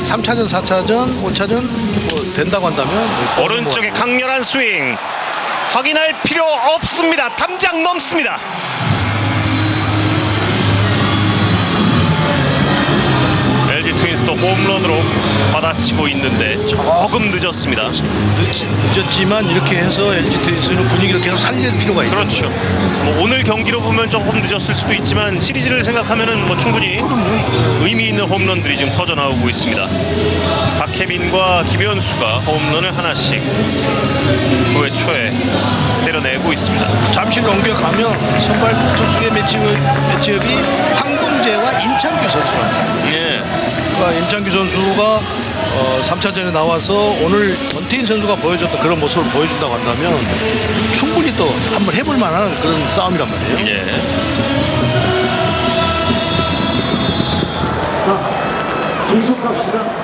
3차전, 4차전, 5차전 뭐 된다고 한다면 오른쪽에 강렬한 스윙 확인할 필요 없습니다. 담장 넘습니다. LG 트윈스도 홈런으로 받아치고 있는데 조금 늦었습니다. 늦었지만 이렇게 해서 LG 트윈스는 분위기를 계속 살릴 필요가 있죠. 그렇죠. 뭐 오늘 경기로 보면 조금 늦었을 수도 있지만 시리즈를 생각하면은 뭐 충분히 의미 있는 홈런들이 지금 터져 나오고 있습니다. 박혜민과 김현수가 홈런을 하나씩 9회 초에 때려내고 있습니다. 잠시 넘겨가면 선발 투수의 매치업이 황동재와 임창규 선수입니다. 예. 그러니까 임창규 선수가 3차전에 나와서 오늘 권태인 선수가 보여줬던 그런 모습을 보여준다고 한다면 충분히 또 한번 해볼 만한 그런 싸움이란 말이에요. 예. 자, 계속합시다.